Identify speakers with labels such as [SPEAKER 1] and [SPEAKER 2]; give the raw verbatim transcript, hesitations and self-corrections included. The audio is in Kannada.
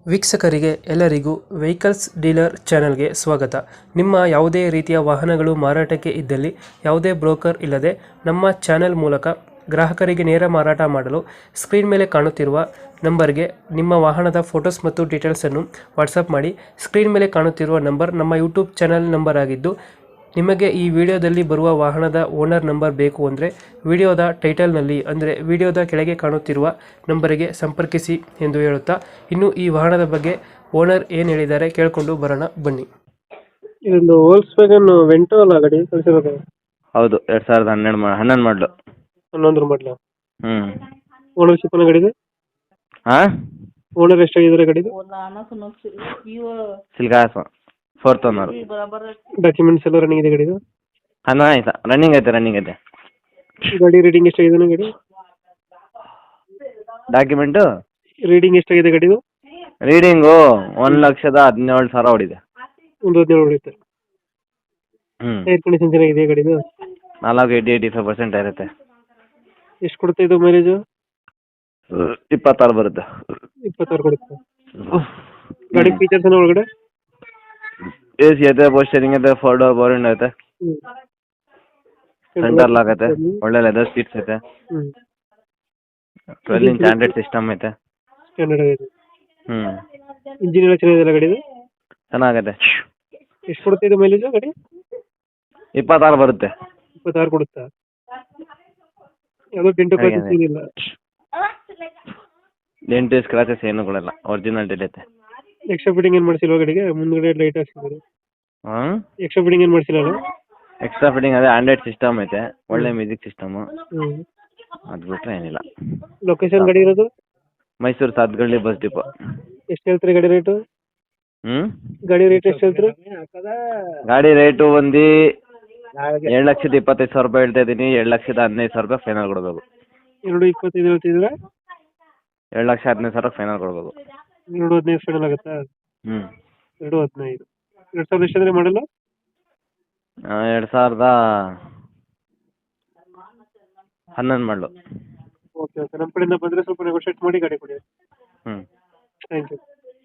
[SPEAKER 1] ವೀಕ್ಷಕರಿಗೆ ಎಲ್ಲರಿಗೂ ವೆಹಿಕಲ್ಸ್ ಡೀಲರ್ ಚಾನೆಲ್ಗೆ ಸ್ವಾಗತ. ನಿಮ್ಮ ಯಾವುದೇ ರೀತಿಯ ವಾಹನಗಳು ಮಾರಾಟಕ್ಕೆ ಇದ್ದಲ್ಲಿ ಯಾವುದೇ ಬ್ರೋಕರ್ ಇಲ್ಲದೆ ನಮ್ಮ ಚಾನೆಲ್ ಮೂಲಕ ಗ್ರಾಹಕರಿಗೆ ನೇರ ಮಾರಾಟ ಮಾಡಲು ಸ್ಕ್ರೀನ್ ಮೇಲೆ ಕಾಣುತ್ತಿರುವ ನಂಬರ್ಗೆ ನಿಮ್ಮ ವಾಹನದ ಫೋಟೋಸ್ ಮತ್ತು ಡೀಟೇಲ್ಸನ್ನು ವಾಟ್ಸಪ್ ಮಾಡಿ. ಸ್ಕ್ರೀನ್ ಮೇಲೆ ಕಾಣುತ್ತಿರುವ ನಂಬರ್ ನಮ್ಮ ಯೂಟ್ಯೂಬ್ ಚಾನೆಲ್ ನಂಬರ್ ಆಗಿದ್ದು, ನಿಮಗೆ ಈ ವಿಡಿಯೋದಲ್ಲಿ ಬರುವ ವಾಹನದ ಓನರ್ ನಂಬರ್ ಬೇಕು ಅಂದರೆ ವಿಡಿಯೋದ ಟೈಟಲ್ನಲ್ಲಿ ಅಂದರೆ ವಿಡಿಯೋದ ಕೆಳಗೆ ಕಾಣುತ್ತಿರುವ ನಂಬರಿಗೆ ಸಂಪರ್ಕಿಸಿ ಎಂದು ಹೇಳುತ್ತಾ, ಇನ್ನು ಈ ವಾಹನದ ಬಗ್ಗೆ ಓನರ್ ಏನು ಹೇಳಿದ್ದಾರೆ ಕೇಳಿಕೊಂಡು ಬರೋಣ ಬನ್ನಿ. ಇದೊಂದು ವೋಲ್ಕ್ಸ್ ವ್ಯಾಗನ್ ವೆಂಟೋ ಅಲ್ಲ ಗಾಡಿ ಕಳಿಸಿರೋದು?
[SPEAKER 2] ಹೌದು, ಎರಡು ಸಾವಿರದ ಹನ್ನೆರಡು ಮಾ ಹನ್ನೊಂದು ಮಾಡಲು.
[SPEAKER 1] ಹನ್ನೊಂದರ ಮಾಡಲ.
[SPEAKER 2] ಹ್ಞೂ
[SPEAKER 1] ಓನರ್ಶಿಪ್ ಅನ್ನೋ ಗಾಡಿದು?
[SPEAKER 2] ಹಾಂ,
[SPEAKER 1] ಓನರ್ ಎಷ್ಟಾಗಿದ್ದಾರೆ ಗಾಡಿದು?
[SPEAKER 2] ಸಿಲ್ಗಾಸ ಫೋರ್ತ್ ಓನರು.
[SPEAKER 1] ಡಾಕ್ಯುಮೆಂಟ್ಸ್ ಎಲ್ಲ ರನ್ನಿಂಗ್ ಇದೆ ಗಾಡಿದು?
[SPEAKER 2] ಹಾಂ, ಆಯ್ತಾ, ರನ್ನಿಂಗ್ ಐತೆ ರನ್ನಿಂಗ್ ಐತೆ.
[SPEAKER 1] ಗಾಡಿ ರೀಡಿಂಗ್ ಎಷ್ಟಾಗಿದೆ ಗಾಡಿ?
[SPEAKER 2] ಡಾಕ್ಯುಮೆಂಟು
[SPEAKER 1] ರೀಡಿಂಗ್ ಎಷ್ಟಾಗಿದೆ ಗಾಡಿದು?
[SPEAKER 2] ರೀಡಿಂಗು ಒಂದು ಲಕ್ಷದ ಹದಿನೇಳು ಸಾವಿರ ಹೊಡಿದೆ.
[SPEAKER 1] ಒಂದು ಹದಿನೇಳು ಹೊಡೆಯುತ್ತೆ.
[SPEAKER 2] ಹ್ಞೂ,
[SPEAKER 1] ಟೈರ್ ಕಂಡೀಷನ್ ಚೆನ್ನಾಗಿದೆ ಗಾಡಿದು?
[SPEAKER 2] ನಾಲ್ಕು ಏಯ್ಟಿ ಏಯ್ಟಿ ಫೈವ್ ಪರ್ಸೆಂಟ್ ಇರುತ್ತೆ.
[SPEAKER 1] ಎಷ್ಟು ಕೊಡುತ್ತೆ ಇದು ಮೈಲೇಜು?
[SPEAKER 2] ಇಪ್ಪತ್ತಾರು ಬರುತ್ತೆ.
[SPEAKER 1] ಇಪ್ಪತ್ತಾರು ಕೊಡುತ್ತೆ. ಗಾಡಿ ಫೀಚರ್ಸ್ ಏನೋ ಒಳಗಡೆ?
[SPEAKER 2] ಎ ಸಿ ಐತೆ, ಪೋಸ್ಟರಿಂಗ್ ಐತೆ, ಫೋರ್ ಡೋರ್ ಪವರ್ ವಿಂಡೋ ಐತೆ, ಸೆಂಟರ್ ಲಾಕ್ ಐತೆ, ಒಳ್ಳೆ ಲೆದರ್ ಸೀಟ್ಸ್ ಐತೆ, ಟ್ವೆಲ್ ಇಂಚ್ ಆಂಡ್ರಾಯ್ಡ್ ಸಿಸ್ಟಮ್ ಐತೆ.
[SPEAKER 1] ಸ್ಟ್ಯಾಂಡರ್ಡ್ ಆಗಿದೆ.
[SPEAKER 2] ಹ್ಞೂ,
[SPEAKER 1] ಇಂಜಿನ್ ಎಲ್ಲ ಚೆನ್ನಾಗಿದೆ ಗಾಡಿದು?
[SPEAKER 2] ಚೆನ್ನಾಗೈತೆ.
[SPEAKER 1] ಎಷ್ಟು ಕೊಡುತ್ತೆ ಇದು ಮೈಲೇಜು ಗಾಡಿ?
[SPEAKER 2] ಇಪ್ಪತ್ತಾರು ಬರುತ್ತೆ.
[SPEAKER 1] ಇಪ್ಪತ್ತಾರು ಕೊಡುತ್ತಾ? ಯಾವುದೋ ಡೆಂಟು ಕ್ರಾಚಸ್ ಏನಿಲ್ಲ?
[SPEAKER 2] ಡೆಂಟು ಸ್ಕ್ರಾಚಸ್ ಏನು ಕೊಡಲ್ಲ, ಒರಿಜಿನಲ್ ಐತೆ.
[SPEAKER 1] ಎಕ್ಸ್ಟ್ರಾ ಫಿಟ್ಟಿಂಗ್ ಏನು ಮಾಡಿಸಿಲ್ವ ಗಾಡಿಗೆ? ಮುಂದ್ಗಡೆ ಲೈಟ್ ಹಾಕ್ಸಿದ್ದಾರೆ.
[SPEAKER 2] ಹಾಂ,
[SPEAKER 1] ಎಕ್ಸ್ಟ್ರಾ ಫಿಟ್ಟಿಂಗ್ ಏನು ಮಾಡಿಸಿಲ್ಲ?
[SPEAKER 2] ಎಕ್ಸ್ಟ್ರಾ ಫಿಟ್ಟಿಂಗ್ ಅದೇ ಆಂಡ್ರಾಯ್ಡ್ ಸಿಸ್ಟಮ್ ಐತೆ, ಒಳ್ಳೆ ಮ್ಯೂಸಿಕ್ ಸಿಸ್ಟಮು.
[SPEAKER 1] ಹ್ಞೂ,
[SPEAKER 2] ಅದು ಬಿಟ್ಟರೆ ಏನಿಲ್ಲ.
[SPEAKER 1] ಲೊಕೇಶನ್ ಗಾಡಿ ಇರೋದು?
[SPEAKER 2] Mysuru Satgalli bus depot.
[SPEAKER 1] ಎಷ್ಟು ಹೇಳ್ತೀರಿ ಗಾಡಿ ರೇಟು?
[SPEAKER 2] ಹ್ಞೂ,
[SPEAKER 1] ಗಾಡಿ ರೇಟ್ ಎಷ್ಟು ಹೇಳ್ತೀರಿ?
[SPEAKER 2] ಗಾಡಿ ರೇಟು ಒಂದು ಏಳು ಲಕ್ಷದ ಇಪ್ಪತ್ತೈದು ಸಾವಿರ ರೂಪಾಯಿ ಹೇಳ್ತಾ ಇದ್ದೀನಿ. ಎರಡು ಲಕ್ಷದ ಹದಿನೈದು ಸಾವಿರ ರೂಪಾಯಿ ಫೈನಲ್ ಕೊಡಬೇಕು.
[SPEAKER 1] ಎರಡು ಇಪ್ಪತ್ತೈದು ಹೇಳ್ತಿದ್ದೀರಾ?
[SPEAKER 2] ಎರಡು ಲಕ್ಷ ಹದಿನೈದು ಸಾವಿರ ಫೈನಲ್ ಕೊಡಬೇಕು.
[SPEAKER 1] ಎರಡು ಹದಿನೈದು ಫೈನಲ್ ಆಗುತ್ತಾ?
[SPEAKER 2] ಹ್ಞೂ,
[SPEAKER 1] ಎರಡು ಹದಿನೈದು. ಎರಡು ಸಾವಿರದ ಎಷ್ಟು ಅಂದರೆ ಮಾಡಲ್ಲ?
[SPEAKER 2] ಎರಡು ಸಾವಿರದ ಹನ್ನೊಂದು ಮಾಡಲು.
[SPEAKER 1] ಓಕೆ ಓಕೆ, ನಮ್ಮ ಕಡೆಯಿಂದ ಬಂದರೆ ಸ್ವಲ್ಪ ನೆಗೋಷಿಯೇಟ್ ಮಾಡಿ ಗಾಡಿ ಕೊಡಿ.
[SPEAKER 2] ಹ್ಞೂ,
[SPEAKER 1] ಥ್ಯಾಂಕ್ ಯು.